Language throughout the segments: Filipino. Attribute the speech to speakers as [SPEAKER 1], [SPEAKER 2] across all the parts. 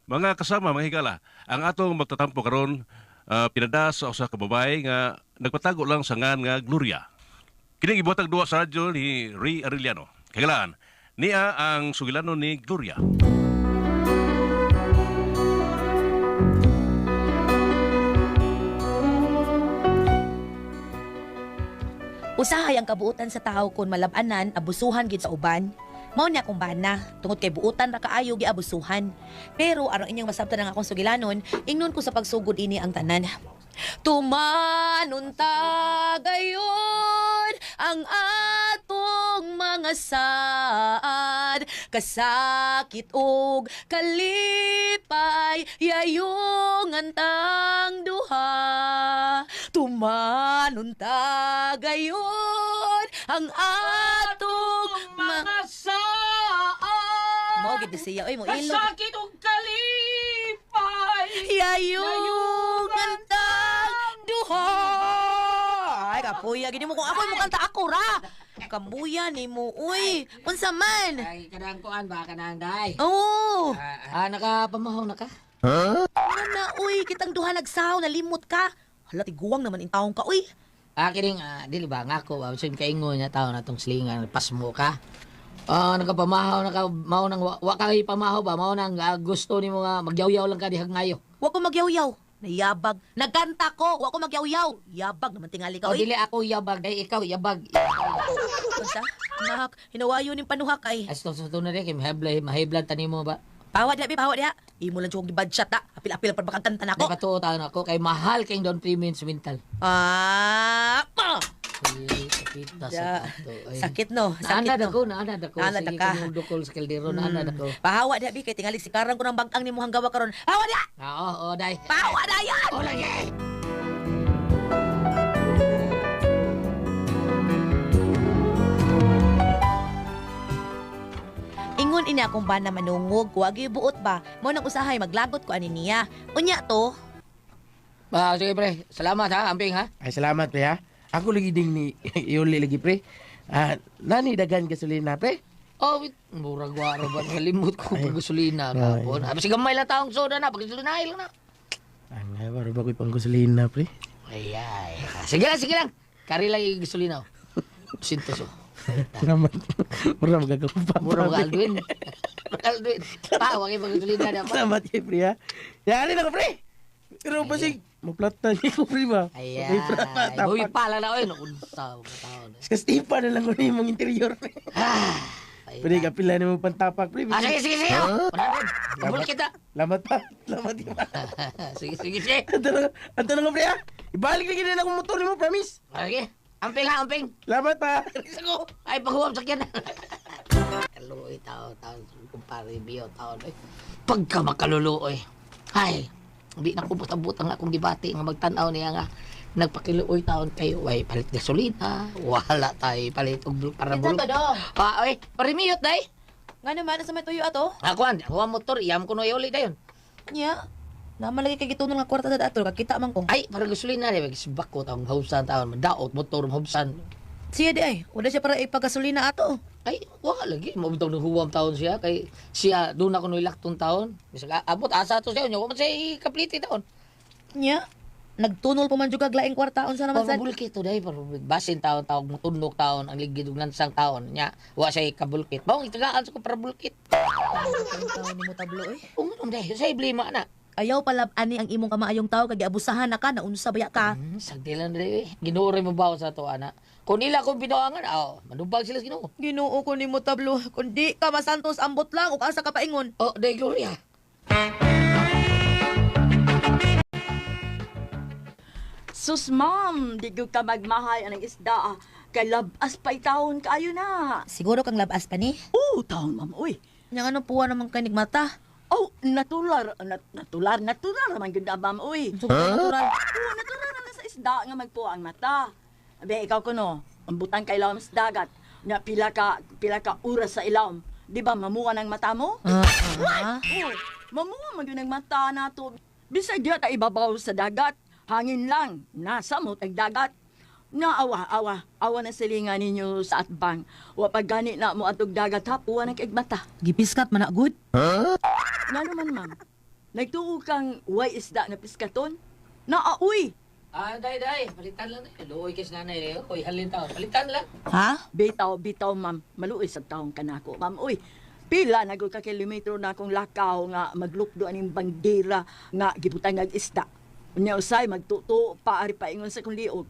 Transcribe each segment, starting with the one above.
[SPEAKER 1] Mga kasama, mga higala, ang atong magtatampo karon pinada sa usa ka babae nga nagpatago lang sa ngan nga Gloria. Kining ibuhatag duwa sa radyo ni Ray Arellano. Kagalaan, niya ang sugilano ni Gloria.
[SPEAKER 2] Usahay ang kabuutan sa tao kung malabanan, abusuhan gid sa uban. Mao ni akong bana, tungod kay buutan ra kaayo gi abusuhan. Pero aron inyong masabtan ang akong sugilanon, ingnon ko sa pagsugod ini ang tanan. Tumanunta gayon ang atong mga saad, kasakit ug kalipay yayong antang duha. Tumanunta gayon ang atong mga
[SPEAKER 3] saan.
[SPEAKER 2] Mao gid siya, oy mo ilog.
[SPEAKER 3] Kasakit og kalipay.
[SPEAKER 2] Yayong antang duha. Ay, kapuya. Gini mo kung ako'y mo kanta ako ra. Kambuya ni mo, uy. Unsa man?
[SPEAKER 3] Ay, kanang kuan ba, kanang day?
[SPEAKER 2] Oo.
[SPEAKER 3] Nakapamahaw na ka?
[SPEAKER 2] Ano na, uy. Kitang duha nagsaw. Nalimot ka. Hala, tiguang naman in taong ka, uy.
[SPEAKER 3] Kining, dili ba, nga ko, sin kaingo niya tao na tong slingan, pasmo ka. Nagapamahaw na ka, mao nang, wa ka pamahaw ba, mao nang gusto ni mo nga, magyaw-yaw lang ka dihag ngayo.
[SPEAKER 2] Wa ko magyaw-yaw. Nayabag. Nagkanta ko. Wa ko magyaw-yaw. Yabag naman tingali ka,
[SPEAKER 3] O,
[SPEAKER 2] uy.
[SPEAKER 3] dili ako yabag, day ikaw yabag.
[SPEAKER 2] Unsa? Nahak, hinawayo ning panuhak ay.
[SPEAKER 3] As to na rin, kay mahiblad tani mo ba?
[SPEAKER 2] Pawad ya, pawad ya. Imo lang jug gibadshot ta. Apil-apil pa makakanta
[SPEAKER 3] Day
[SPEAKER 2] nako.
[SPEAKER 3] katuo taon ako, kay mahal kayong down premium sa mental.
[SPEAKER 2] Pa!
[SPEAKER 3] Ay, sakit na
[SPEAKER 2] Da.
[SPEAKER 3] sa ato. Ay.
[SPEAKER 2] Sakit no. Sakit
[SPEAKER 3] Naanad
[SPEAKER 2] no.
[SPEAKER 3] ako, naanad ako.
[SPEAKER 2] Naanad
[SPEAKER 3] Sige
[SPEAKER 2] ka.
[SPEAKER 3] kung dukol sa kaldero, naanad ako.
[SPEAKER 2] Pahawa di abi kay tingali sikaran ko ng bangkang nimo hanggawa karon. Hawa di.
[SPEAKER 3] Oo, day.
[SPEAKER 2] Pahawa na yan.
[SPEAKER 3] Oo, lagi.
[SPEAKER 2] Ingon ini akong bana manungog, wagi buot ba? Mo nang usahay maglagot ko ani niya. Unya to.
[SPEAKER 3] Sige pre, salamat ha, amping ha.
[SPEAKER 4] Ay, salamat, pre, ha? Ako lagi ding ni Iuli lagi, pre. Nani dagan gasolina, pre?
[SPEAKER 3] Oh, wait. Murag waro ba? Nalimut ko pag gasolina kapon. Sige gamay lang taong soda na, pag gasolina lang na.
[SPEAKER 4] Ang waro ba ko'y pang gasolina, pre?
[SPEAKER 3] Ay. Sige lang. Kari lang yung gasolina. Sintos oh.
[SPEAKER 4] Salamat. Mura magagawa.
[SPEAKER 3] Mura ka Alduin. Alduin. Wag yung gasolina na pa.
[SPEAKER 4] Salamat kay, pre, ha? Yari na ko, pre! Pero pa si maplata niya ko, pre, ba?
[SPEAKER 3] Ayan. Uy, pala na, oy. Nakunsa ko taon.
[SPEAKER 4] Kastipa na lang ko na yung mga interior, pre. Pre, kapila na mo pantapak, pre.
[SPEAKER 3] Sige. Panadin. Mabuli kita.
[SPEAKER 4] Salamat pa. Salamat, di ba?
[SPEAKER 3] Sige.
[SPEAKER 4] Anto na nga, pre, ha? Ibalik na ganyan akong motor mo, promise.
[SPEAKER 3] Okay. Amping.
[SPEAKER 4] Salamat pa.
[SPEAKER 3] Ako. Ay, paghuwam sakyan. Kaluoy, taon. Kumpare, biyo, taon. Pagka makaluloy. Ay, hindi na ko butang-butang akong gibati nga magtanaw niya nga nagpakiluoy taon kayo. Ay, palit gasolina. Wala tayo. Palit og para
[SPEAKER 2] Kinsa
[SPEAKER 3] bulok.
[SPEAKER 2] to do?
[SPEAKER 3] Ay, parimiyot, day.
[SPEAKER 2] Nga naman sa may tuyo ato?
[SPEAKER 3] Ako, ang motor. Iyam ko na iuli dayon.
[SPEAKER 2] Nya. Naman lagi kay gitunong nga kwarta sa dato kakita man ko.
[SPEAKER 3] Ay, para gasolina. Magsibak ko taong hausan taon. Madaot, motor, hausan.
[SPEAKER 2] Siya di ay. Wala siya para ipagasolina ato.
[SPEAKER 3] Ay, wala lagi. Mabitaw ng huwam taon siya. Kay siya, doon ako nilaktong taon. Bisag abot, asa to siya. Huwag man siya kapliti taon.
[SPEAKER 2] Nya. Nagtunol pa man jud kag laing kwartaon sa naman sa.
[SPEAKER 3] Pabulkit to dahil. Basin taon, mutunok taon, ang ligid ng lansang taon. Nya, wa siya kabulkit. Bawang itagaan sa ko para bulkit.
[SPEAKER 2] Taon nimo tablo eh.
[SPEAKER 3] Ungon dahil, sa iblima na.
[SPEAKER 2] Ayaw pala ani ang imong kamaayong tao kag abusahan na ka na unsa baya ka.
[SPEAKER 3] Sagdi lang dahil eh. Ginuoray mo ba sa to, ana? Kung nila kung binuangan, manubag sila sa ginoo.
[SPEAKER 2] Ginoo ko nimo tablo kundi ka masantos ambot lang ug asa ka paingon.
[SPEAKER 3] Oh, dahil Gloria.
[SPEAKER 5] Sus, ma'am, di ko ka magmahay anang isda. Kay labas pa itahon kaayo na.
[SPEAKER 2] Siguro kang labas pa ni.
[SPEAKER 5] Oo, taon, ma'am, uy.
[SPEAKER 2] Yang ano puwa naman kanig mata.
[SPEAKER 5] Oh, natular naman gud ma'am, uy.
[SPEAKER 2] Sugod natural.
[SPEAKER 5] Oo, natural na sa isda nga magpuwa ang mata. Abe, ikaw kuno, ang butang kay ilawom sa dagat. Na pila ka oras sa ilawom. Di ba, mamuha ng mata mo? Oh, mamuha man yun ang mata nato. Bisag diya ta ibabaw sa dagat. Hangin lang, nasa mo tag dagat. Awa na silingan ninyo sa atbang. Wa pag gani na mo atog dagat hapuan ang kaigmata.
[SPEAKER 2] Gipiskat man na good.
[SPEAKER 5] Nga naman, ma'am. nagtuo kang way isda nga piskaton? Naauy!
[SPEAKER 3] Day. Palitan lang na. Luoy kis nanay. Uy, halin taon. Palitan lang.
[SPEAKER 2] Ha?
[SPEAKER 5] Bitaw, ma'am. Maluoy sa taong kanako, ma'am. Uy, pila na ka kilometro na akong lakaw nga maglukdo aning bandera nga gibutang nga isda. Unya usay magtuto paari pa ingon sa kong liog.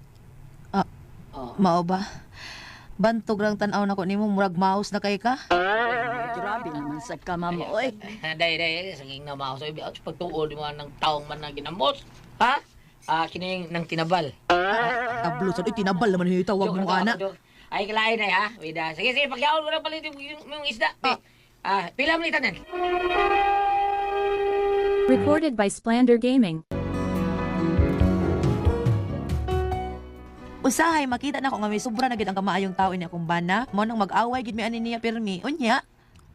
[SPEAKER 2] Mao ba? Bantog lang tanaw na ko nimo murag mouse na kay ka.
[SPEAKER 5] Grabe naman sa ka, ma'am. Uy,
[SPEAKER 3] Day. Sanging na mao sa ibiyaw. Pagtuod mo ng taong man na ginamos. Ha? Kining nang tinabal.
[SPEAKER 2] Tablo sa tinabal naman yung tawag mo ana.
[SPEAKER 3] Ay, kalain na ha. Wida. Sige, pagyaon mo na palit yung isda. Pila mo itanan.
[SPEAKER 6] Recorded by Splander Gaming.
[SPEAKER 2] Usahay makita na ko nga may sobra na gid ang kamaayong tao niya kung bana. Mo nang mag-away gid mi ani niya pirmi. Unya.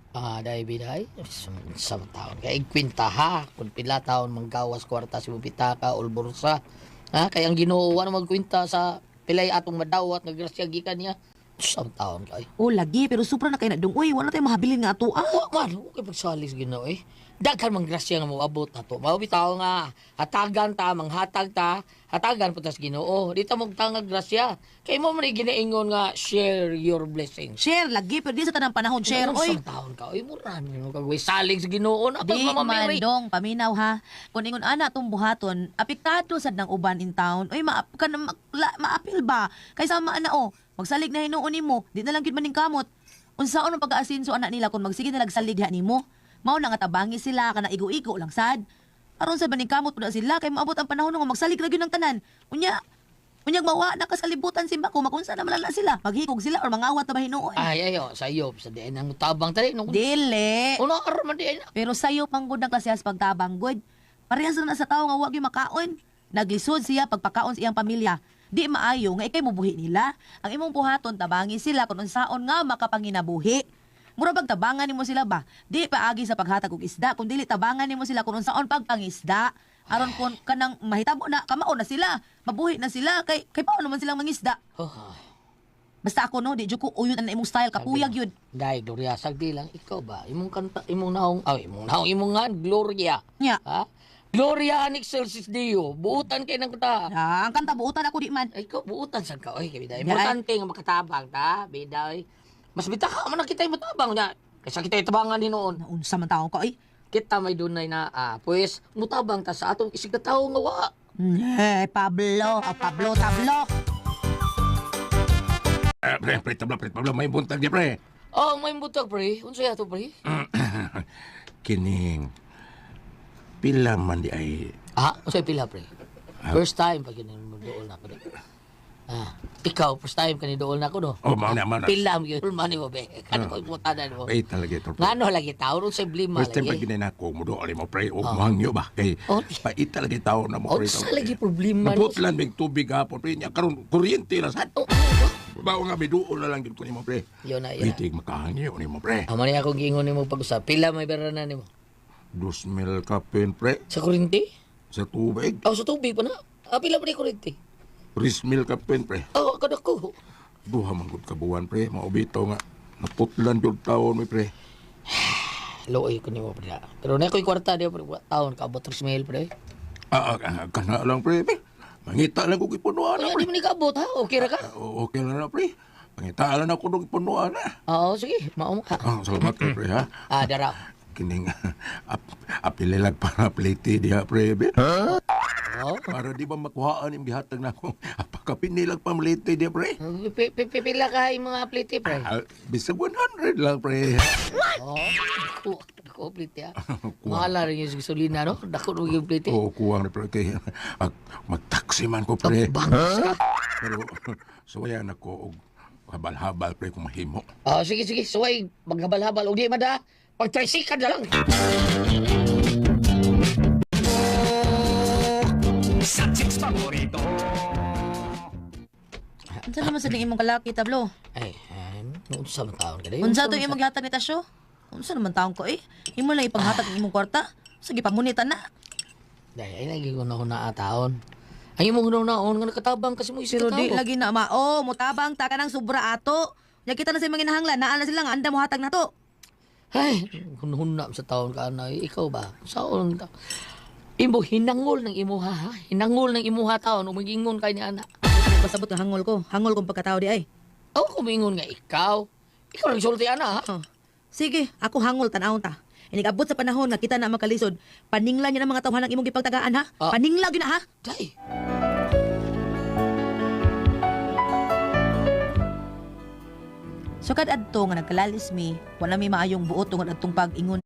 [SPEAKER 3] Day. Sa taon. Kaya kwinta ha. Kung pila taon manggawas kwarta si Bupitaka, Ulbursa. Ha? Kaya ang ginoo na magkwinta sa pilay atong madawat, nagrasya gikan niya. Sa taon kay.
[SPEAKER 2] Oh lagi pero sobra na kay na dung. Uy, wala tay mahabilin nga ato.
[SPEAKER 3] Man, okay pagsalis ginoo eh. Daghan mang grasya nga mo abot na to. Mao bitaw nga hatagan ta, manghatag ta, hatagan putas Ginoo. Dito mo tangag grasya. Kay mo man ginaingon nga share your blessings.
[SPEAKER 2] Share lagi pero di sa tanang panahon share oy.
[SPEAKER 3] Sa taon ka, oy mura mo kagway salig sa Ginoo na
[SPEAKER 2] Di
[SPEAKER 3] pag
[SPEAKER 2] man
[SPEAKER 3] mamamiri.
[SPEAKER 2] dong paminaw ha. Kung ingon ana tong buhaton, apektado sad ng uban in town. Oy maapil ba? Kay sama ana magsalig na hinuon nimo, di na lang gid maning kamot. Unsaon ang pag-aasinso anak nila kung magsige na nagsalig ha nimo? Mao na nga tabangi sila kana igo-igo lang sad. Aron sa baning kamot pud sila kay maabot ang panahon nga magsalig ra gyud ng tanan. Unyag mawa na kasalibutan simba ko makunsa na malala sila. Maghikog sila or mangawat na ba hinuon.
[SPEAKER 3] Ay ayo sayop sa diin ang tabang tali nung
[SPEAKER 2] Dili.
[SPEAKER 3] uno aron man diin.
[SPEAKER 2] Pero sayo panggod ng klasehas pagtabang good. Parehas na sa tao nga wa gyud makaon. Naglisod siya pagpakaon sa iyang pamilya. Di maayo nga ikay mubuhi nila. Ang imong buhaton tabangi sila kung unsaon nga makapanginabuhi. Mura bag tabangan nimo sila ba? Di paagi sa paghatag og isda, kun dili tabangan nimo sila kung unsaon pagpangisda. Aron kun kanang mahitabo na kamao na sila, mabuhi na sila kay paano man silang mangisda. Basta ako no, di jud ko uyod ang imong style kapuyag yun.
[SPEAKER 3] Dai Gloria sagdi lang ikaw ba imong kanta imong naong imong nga Gloria.
[SPEAKER 2] Nya.
[SPEAKER 3] Ha? Gloria an excelsis Deo. Buutan kay nang kanta.
[SPEAKER 2] Ang kanta buutan ako di man.
[SPEAKER 3] Ay, ikaw, buutan sa ka. Oy, biday.
[SPEAKER 2] Yan.
[SPEAKER 3] Importante nga makatabang, ta? Biday. Mas bitaka man na kita yung matabang na. Kasi kita itabangan ni noon.
[SPEAKER 2] Naunsa man taong ka ay.
[SPEAKER 3] Kita may dunay na, pues, mutabang ta sa atong isig na tao nga wa.
[SPEAKER 2] Pablo, Tablo.
[SPEAKER 1] Pre, tabla, may buntag niya, pre.
[SPEAKER 3] Oh, may butag, pre. Unsa yato, pre?
[SPEAKER 1] Kining, pila man di ay...
[SPEAKER 3] Unsa pila, pre? First time pag yun mo dool na ako. Ikaw, first time ka ni dool na ako, no?
[SPEAKER 1] Oh, mauna.
[SPEAKER 3] Pila mo yun, money mo, be. Kano ko iputanan mo?
[SPEAKER 1] Ay, talaga ito, pre.
[SPEAKER 3] Ngano lagi tao, ron sa blima
[SPEAKER 1] First time pag
[SPEAKER 3] lagi.
[SPEAKER 1] ginay ko, mudo, alim mo, pre, o mahangyo ba? Kay, pait talaga tao na mo, pre.
[SPEAKER 3] Unsa lagi problema?
[SPEAKER 1] Naputlan, may tubig hapon, pre. Niya, karon kuryente na sa... Bawa nga, may duol na lang yun ko ni mo, pre.
[SPEAKER 3] Yun na,
[SPEAKER 1] Itig makahangyo ni mo, pre.
[SPEAKER 3] Amo ni akong giingon nimo pag-usap. Pila may beranan nimo?
[SPEAKER 1] 2,000 kapin, pre.
[SPEAKER 3] Sa kurinti?
[SPEAKER 1] Sa tubig.
[SPEAKER 3] Sa tubig pa na. Pila pa ni kurinti?
[SPEAKER 1] 3,000 kapin, pre.
[SPEAKER 3] Kada ko.
[SPEAKER 1] Duha manggod kabuan, pre. Maubito nga. Naputlan yung taon, may pre.
[SPEAKER 3] Looy ko nimo pre. Pero na ko'y kwarta diyo pre. Taon ka abot 3,000 pre.
[SPEAKER 1] Kana lang, pre. Mangita lang kong ipunuan na,
[SPEAKER 3] Ay,
[SPEAKER 1] pre.
[SPEAKER 3] di mo ni kabot ha? Okay ra ka?
[SPEAKER 1] Okay lang na, pre. Mangita lang ako ng ipunuan na.
[SPEAKER 3] Oo, sige. Mao ka.
[SPEAKER 1] Salamat ka, pre, ha.
[SPEAKER 3] Dara.
[SPEAKER 1] Kining apililag para pliti diha, pre.
[SPEAKER 3] Oo.
[SPEAKER 1] Para di ba makuhaan yung gihatag na akong apakapinilag pamliti diha, pre.
[SPEAKER 3] Pila ka yung mga pliti pre.
[SPEAKER 1] Bisag 100 lang, pre.
[SPEAKER 3] Oo. Dako pliti ha. Mahala rin yung gasolina no? Dako rin yung pliti.
[SPEAKER 1] Oo, kuwang na, pre. Kaya magtaksi man ko, pre.
[SPEAKER 3] Bangos ka.
[SPEAKER 1] Pero suwayan ako og habal-habal, pre, kung mahimo.
[SPEAKER 3] Sige. Suway. Maghabal-habal. O di mada. Pag-tricycle na lang.
[SPEAKER 2] Unsa naman sa ning imong kalaki Tablo?
[SPEAKER 3] Ay, unsa man taon ka dayo?
[SPEAKER 2] Unsa to imong gihatag ni Tasyo? Unsa naman taong ko Imo lang ipanghatag ng imong kwarta. Sige pamunitan na.
[SPEAKER 3] Dahil ay lagi ko na taon. Ay mo hunaw-naon nga nakatabang kasi mo isip
[SPEAKER 2] Pero
[SPEAKER 3] ka
[SPEAKER 2] di lagi na mutabang ta ka ng sobra ato. Ya kita na sa mga hinahanglan, naa na sila nga anda mo hatag na to.
[SPEAKER 3] Ay, hunhunam sa taon ka na. Ikaw ba? Saon ta? Imo hinangol ng imuha ha? Hinangol ng imuha taon. Umagingon kay ni ana.
[SPEAKER 2] Pasabot nga hangol ko. Hangol kong pagkatao di ay.
[SPEAKER 3] Ako kumingon nga ikaw. Ikaw lang sulti ana ha?
[SPEAKER 2] Oh. Sige, ako hangol tanawon ta. Inigabot sa panahon nga kita na makalisod. Paningla niya ng mga tawhan ng imong gipagtagaan ha.
[SPEAKER 3] Ah.
[SPEAKER 2] Paningla gyud na ha.
[SPEAKER 3] Day.
[SPEAKER 2] So kad adto nga nagkalalis mi, wala mi maayong buot tungod adtong pag-ingon.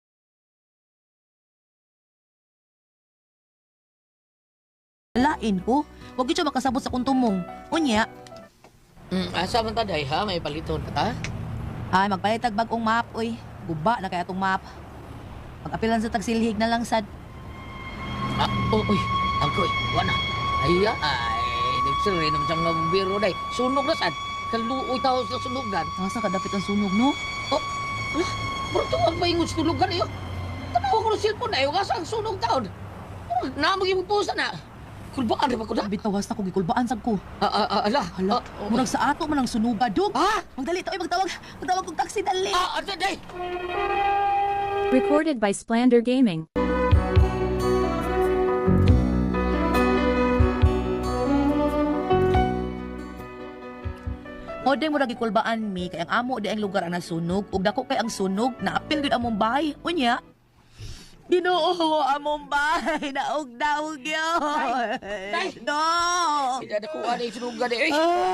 [SPEAKER 2] Lain ko, wag gyud siya makasabot sa kuntumong. Unya,
[SPEAKER 3] Asa man ta day ha? May paliton ka ta?
[SPEAKER 2] ay magpalitag bagong map oy. Guba na kaya tong map. Pag-apilan sa tagsilhig na lang sad.
[SPEAKER 3] Uy, agoy, wala. Ay, nagsiray naman siyang biro day. Sunog na sad. Kaluoy tao sa sunugan.
[SPEAKER 2] Asa ka dapit ang sunog no?
[SPEAKER 3] Pero tuwag ba yung sunugan niyo? Tanaw ko ng cellphone na yung asa ang sunog taon. Namag yung pusa na. Kulbaan rin ba ko na?
[SPEAKER 2] Bitawas na ko gikulbaan sad ko.
[SPEAKER 3] Ala.
[SPEAKER 2] Hala, murag sa ato man ang sunuga dog.
[SPEAKER 3] Ha?
[SPEAKER 2] Magdali to, magtawag kong taxi dali.
[SPEAKER 3] Day.
[SPEAKER 6] Recorded by Splander Gaming.
[SPEAKER 2] O di mo ra gikulbaan mi kay ang amo di ang lugar ang nasunog ug dako kay ang sunog naapil gid among bahay. Unya. Ginoo among bahay na daog yun.
[SPEAKER 3] Tay!
[SPEAKER 2] No.
[SPEAKER 3] Hindi na kuha na yung sunugan eh.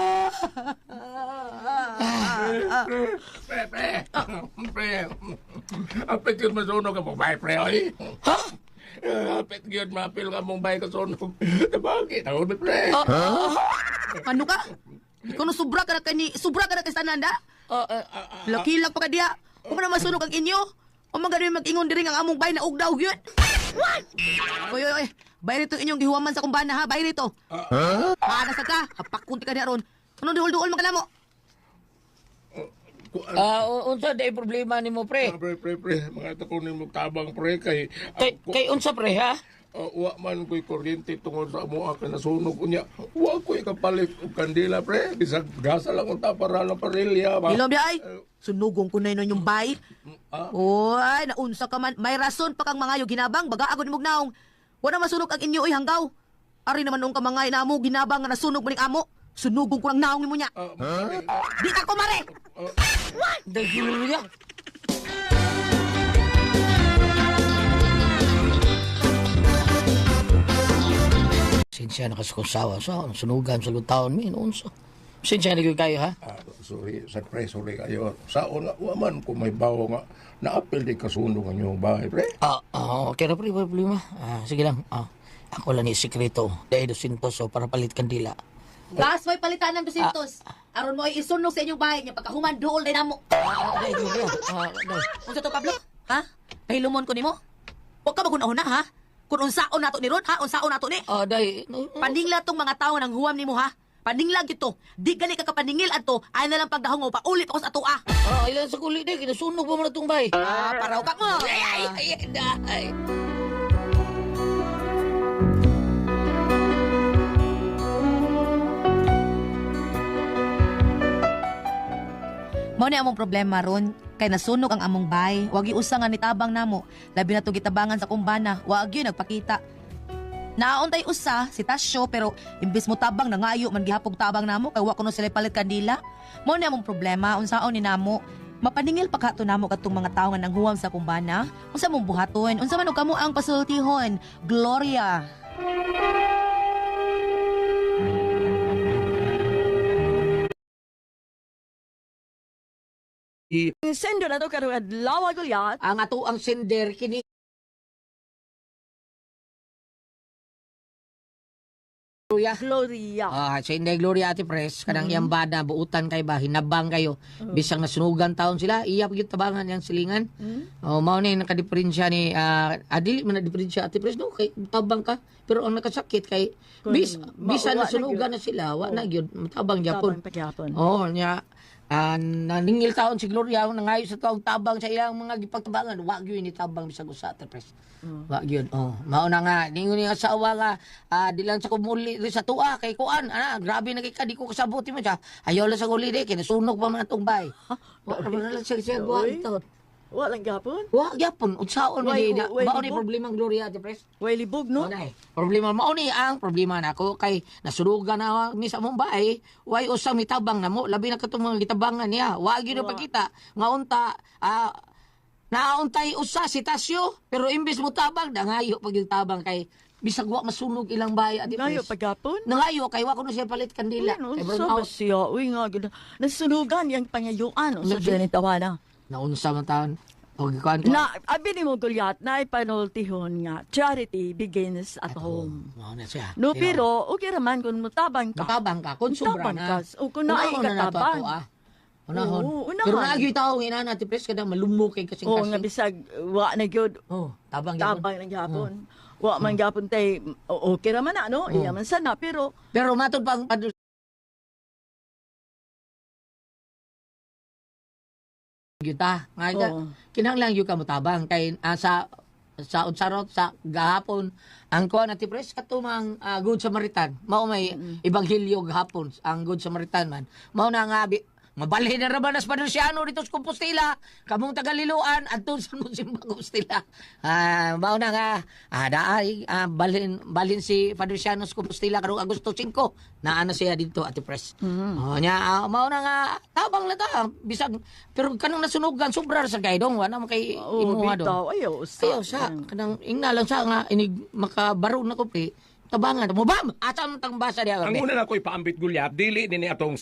[SPEAKER 7] Pre, apit yun masunog ang mong bahay, pre, oy. Ha? Apit yun mapil ka mong bahay kasunog. Bakit? Ako, pre.
[SPEAKER 2] Ano ka? Ikaw no sobra ka na kay sananda? Lakilag pa ka diha. Kung na masunog ang inyo, o magaling mag-ingon diri ang among bahay na ugdaw yun. Oy. Bayri to inyong gihuwaman sa kumbana ha, bayri to. Nasa ka, hapakunti ka niya ron. Anong duhol-duhol magkalamo?
[SPEAKER 3] Unsa day problema ni mo, pre?
[SPEAKER 7] Pre. Mga ito ko ni tabang, pre, kay...
[SPEAKER 3] Kay unsa, pre, ha?
[SPEAKER 7] Wa man ko'y kuryente tungod sa amo ka nasunog unya. Wa ko'y kapalit og kandila, pre. Bisag gasa lang unta para lang parilya ba.
[SPEAKER 2] Ilom di ay. Sunugong ko na yun yung bahay. Oy, naunsa ka man. May rason pa kang mga ginabang. Baga ako ni Mugnaong. Wala masunog ang inyo hanggaw. Ari naman nung kamangay na mo ginabang nga nasunog maning amo. Sunugong ko lang naong mo niya. Di ka kumare!
[SPEAKER 3] Dagilo niya. Sinsya nakasukusawa sa sunugan sa lutaon mi unsa. Sinsya na kayo ha?
[SPEAKER 7] Sorry kayo. Saon nga, wa man kung may bawo nga naapil di kasunog ang iyong bahay, pre.
[SPEAKER 3] Okay na pre, problema. Sige lang. Ako lang ni sikreto. Dahil 200 so para palit kandila.
[SPEAKER 2] Gas may palitan ng 200. Aron mo ay isunog sa inyong bahay niya. Pagkahuman dool din namo. Unsa to Pablo? Ha? Pahilumon ko nimo? Wa ka magunahon na ha? Kung unsaon nato ni Ron ha? Unsaon nato ni?
[SPEAKER 3] Day.
[SPEAKER 2] Paningla tong mga tao nang huwam nimo ha? Paningla gito. Di gali ka kapaningil adto. Ay na lang pagdahong pa ulit ako sa ato ah.
[SPEAKER 3] Ilan sa kulit day. Kinasunog pa mo na itong bay.
[SPEAKER 2] Paraw ka mo.
[SPEAKER 3] Ay.
[SPEAKER 2] Mao ni among problema ron kay nasunog ang among bay. Wag usa nga nitabang namo. Labi na to gitabangan sa kumbana. Wag gyud nagpakita. Naauntay usa si Tasyo pero imbis mo tabang nangayo man gihapog tabang namo kay wa kuno sila palit kandila. Mao ni among problema unsaon ni namo. Mapaningil pa kato namo kadtong mga tawo nga nanghuwam sa kumbana. Unsa mong buhaton? Unsa man og kamo ang pasultihon? Gloria.
[SPEAKER 5] Sendo na to karong adlaw gulyat.
[SPEAKER 3] Ang ato ang sender kini Gloria. Sa Inday Gloria Ate Pres, kanang iyang bada, buutan kay ba, hinabang kayo. Bisang nasunugan taon sila, iyap yung tabangan yung silingan. Mao ni nakadiferensya ni, adili man na diferensya Ate Pres, no? Kay tabang ka, pero ang nakasakit kay, bisa nasunugan na sila, wa na yun, matabang Japon. Niya, naningil taon si Gloria nangayo sa taong tabang sa ilang mga gipagtabangan wa gyud ni tabang bisag usa Pres. Wa gyud. Mao na nga ningon ni asawa nga dilan sa kumuli sa tuwa kay kuan grabe na kay ka di ko kasabot mo siya. Ayaw la sa uli di kinasunog pa man atong bay. Wa na lang siya buhat ito.
[SPEAKER 5] Walang gapon.
[SPEAKER 3] Wa gyapon unsaon man
[SPEAKER 5] Way-
[SPEAKER 3] ni
[SPEAKER 5] way
[SPEAKER 3] mao ni
[SPEAKER 5] libog.
[SPEAKER 3] problema ang Gloria Ate Pres.
[SPEAKER 5] Way libog, no?
[SPEAKER 3] No? Problema mao ni ang problema nako kay nasurugan na mi sa Mumbai, way usang mitabang na mo, labi na katong mga gitabangan niya. Wa gyud na pagkita nga unta nauntay usa si Tasyo, pero imbes mo tabang dangayo pag yung tabang kay bisag wa masunog ilang bahay Ate
[SPEAKER 5] Ngayon,
[SPEAKER 3] Pres.
[SPEAKER 5] pagapon.
[SPEAKER 3] Nangayo kay wa ko na siya palit kandila.
[SPEAKER 5] Ano,
[SPEAKER 3] Kay
[SPEAKER 5] sa
[SPEAKER 3] burn out.
[SPEAKER 5] siya? Uy, nga, ganda. Nasunugan yung pangayuan. Sa
[SPEAKER 3] Labi.
[SPEAKER 5] siya ni tawana.
[SPEAKER 3] Naunsa man taon. Og kuan ko.
[SPEAKER 5] Na, abi ni mo gulyat, na ipanultihon nga, charity begins at home.
[SPEAKER 3] Mao na siya.
[SPEAKER 5] No, pero, okay raman kung mutabang ka.
[SPEAKER 3] Matabang ka, kung sobra
[SPEAKER 5] Mutabang
[SPEAKER 3] na.
[SPEAKER 5] ka. O kung naay
[SPEAKER 3] Unahon na nato
[SPEAKER 5] katabang.
[SPEAKER 3] ako, Unahon.
[SPEAKER 5] Oo, unahon.
[SPEAKER 3] Pero naagyo'y tao, ina na, tipres ka na, malumok kay kasing
[SPEAKER 5] Oo, nga bisag, wa na gyud
[SPEAKER 3] Oh, tabang yun.
[SPEAKER 5] tabang ng gapon. Wa man gapon tay, okay raman na, no? Iya man sana, pero,
[SPEAKER 3] Pero matod pang yuta. Nga,
[SPEAKER 5] Oo.
[SPEAKER 3] kinahanglan yung kamutabang. Kay sa unsarot sa gahapon ang kuha na tipres katumang Good Samaritan. Mao may ebanghelyo gahapon ang Good Samaritan man. Mao na nga mabalhin na raman as Padusiano dito sa Compostela. Kamong tagaliluan adto sa Musimba Compostela. Mao na nga daay balhin si Padusiano sa Compostela karong Agosto 5. Naana siya dito Ate Pres. Nya mao na nga tabang na ta bisag pero kanang nasunugan sobra sa gaydong wala man kay imuha do.
[SPEAKER 5] bitaw, ayaw,
[SPEAKER 3] Ayaw sa kanang ingna lang sa nga inig makabaro na ko pe. Tabangan mo bam asa man tang basa diha.
[SPEAKER 7] Ang una na ko'y paambit gulyap, dili din ni atong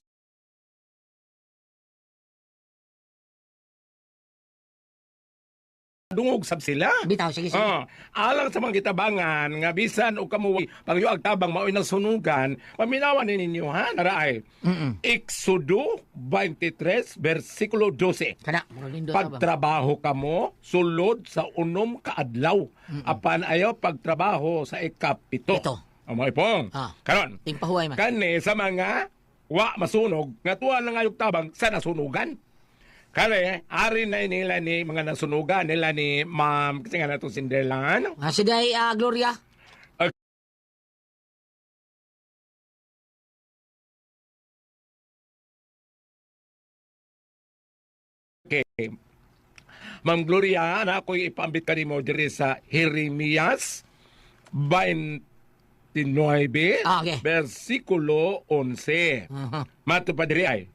[SPEAKER 7] dungog sab sila.
[SPEAKER 3] Bitaw sige sige.
[SPEAKER 7] Alang sa mga kitabangan nga bisan og kamuwi pagyo agtabang maoy nang sunugan, paminawan ni ninyo ha naraay. Exodo 23 bersikulo 12.
[SPEAKER 3] Kana mo lindo ba?
[SPEAKER 7] Pagtrabaho kamo sulod sa unom ka adlaw. Apan ayaw pagtrabaho sa ikapito.
[SPEAKER 3] Ito.
[SPEAKER 7] Amay pong. Karon.
[SPEAKER 3] Ting pahuway man.
[SPEAKER 7] Kani sa mga wa masunog nga tuwa lang ayog tabang sa nasunugan. Kale, ari na nila ni mga nasunugan nila ni Ma'am kasi nga natong Cinderella.
[SPEAKER 3] Siday Gloria.
[SPEAKER 7] Okay. Ma'am Gloria, na ako'y ipaambit ka mo diri sa Jeremias 29,
[SPEAKER 3] Okay.
[SPEAKER 7] versikulo 11. Mato pa diri ay,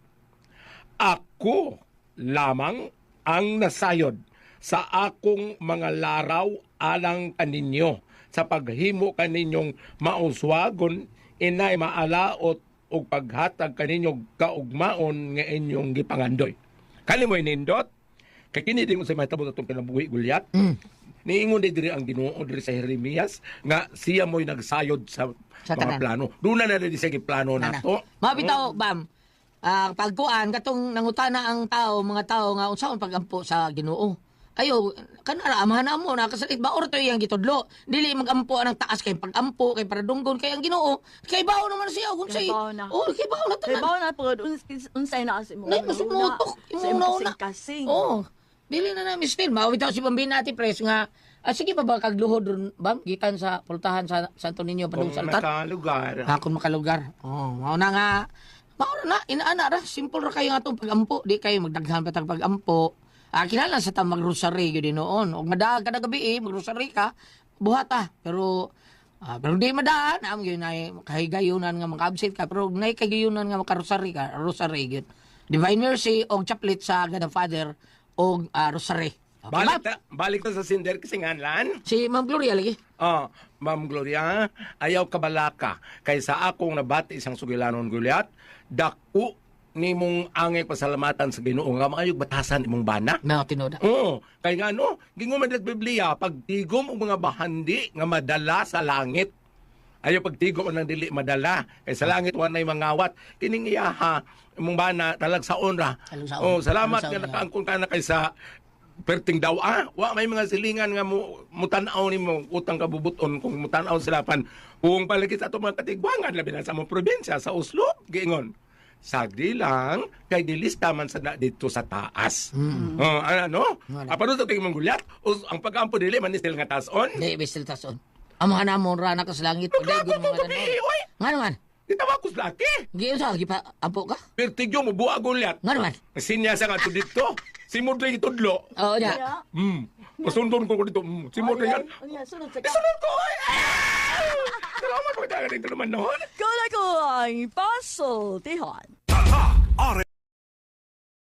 [SPEAKER 7] ako lamang ang nasayod sa akong mga laraw alang kaninyo sa paghimo kaninyong mauswagon inay maalaot og paghatag kaninyong kaugmaon nga inyong gipangandoy. Kani mo'y nindot, kay kini din mo sa mahitabo itong kinabuhi gulyat, niingon din diri ang Ginoo diri sa Jeremias nga siya mo'y nagsayod sa mga
[SPEAKER 3] tanan.
[SPEAKER 7] plano. Doon na rin siya plano nato.
[SPEAKER 3] Mabitaw bam. Pagkuan katong nangutana ang mga tao nga unsaon pagampo sa Ginoo. Ayo kanara amahan mo na kasalit ba orto yang gitudlo. Dili magampo ang taas kay pagampo kay para dunggon kay ang Ginoo. Kay bawo naman siya kung say.
[SPEAKER 5] Kay bawo na.
[SPEAKER 3] Oh, kay bawo na
[SPEAKER 5] kay
[SPEAKER 3] tanan.
[SPEAKER 5] bawa na po, unsay na kasi mo.
[SPEAKER 3] Nay masunutok
[SPEAKER 5] Sa
[SPEAKER 3] imong na.
[SPEAKER 5] kasing-kasing.
[SPEAKER 3] Oh. Dili na namin still mawitaw si Bambina Ati Pres nga sige pa ba kagluhod ron bam gikan sa pultahan sa Santo Niño
[SPEAKER 7] Kung
[SPEAKER 3] Padung Saltan.
[SPEAKER 7] nakalugar.
[SPEAKER 3] Kung makalugar. Oh, mao na nga. Mao na inaana ra simple ra kayo nga tong pagampo, di kayo magdaghan pa tag pagampo. Kinahanglan sa ta magrosary gyud noon. Og madaag kada gabi magrosary ka, buhata. Pero di madaan am gyud nay kahigayunan nga maka-absent ka, pero nay kahigayunan nga makarosary ka, rosary gyud. Divine Mercy og chaplet sa God the Father og rosary. Okay,
[SPEAKER 7] Balik ta sa Cinder kasi nganlan.
[SPEAKER 3] si Ma'am Gloria lagi.
[SPEAKER 7] Ma'am Gloria, ayaw kabalaka kay sa akong nabati isang sugilanon gulyat, dako nimong angay pasalamatan sa Ginoo nga maayog batasan imong bana.
[SPEAKER 3] Na tinoda.
[SPEAKER 7] Oo, kay nga no, gingon man sa Biblia, pagtigom og mga bahandi nga madala sa langit. Ayaw pagtigom ang dili madala. Kay sa langit wanay mangawat. Kining iyaha imong bana talag sa onra.
[SPEAKER 3] Talagsaon.
[SPEAKER 7] Oh, salamat
[SPEAKER 3] Talagsaon,
[SPEAKER 7] nga nakaangkon ka na kay sa perting daw wa may mga silingan nga mutanaw nimo utang kabubuton kung mutanaw sila pan kung palagi sa ato mga katigwangan labi na sa mga probinsya sa Oslo giingon sagdi lang kay gilista man sa dito sa taas. Ano?
[SPEAKER 3] Wala.
[SPEAKER 7] Apano sa tingin mong gulyat? Ang pag-ampo dili man istil nga tason.
[SPEAKER 3] Di bestel tason. Ang mga namon ra na ka sa langit. Pagdaigon mga tanon. Nga naman.
[SPEAKER 7] Itawa ko sa laki.
[SPEAKER 3] Giyon sa lagi pa, apo ka?
[SPEAKER 7] Pertigyo mo buwa gulyat.
[SPEAKER 3] Nga naman.
[SPEAKER 7] Sinyasa nga to dito. Si Mudlay itudlo.
[SPEAKER 3] Oo niya.
[SPEAKER 5] Kaya,
[SPEAKER 7] Masundon ko dito. Si Mudlay yan.
[SPEAKER 5] sunod sa
[SPEAKER 7] Isunod ko! Salamat pagdagan dito naman noon.
[SPEAKER 5] Kala ko ang puzzle, Tihon.
[SPEAKER 8] Tata, are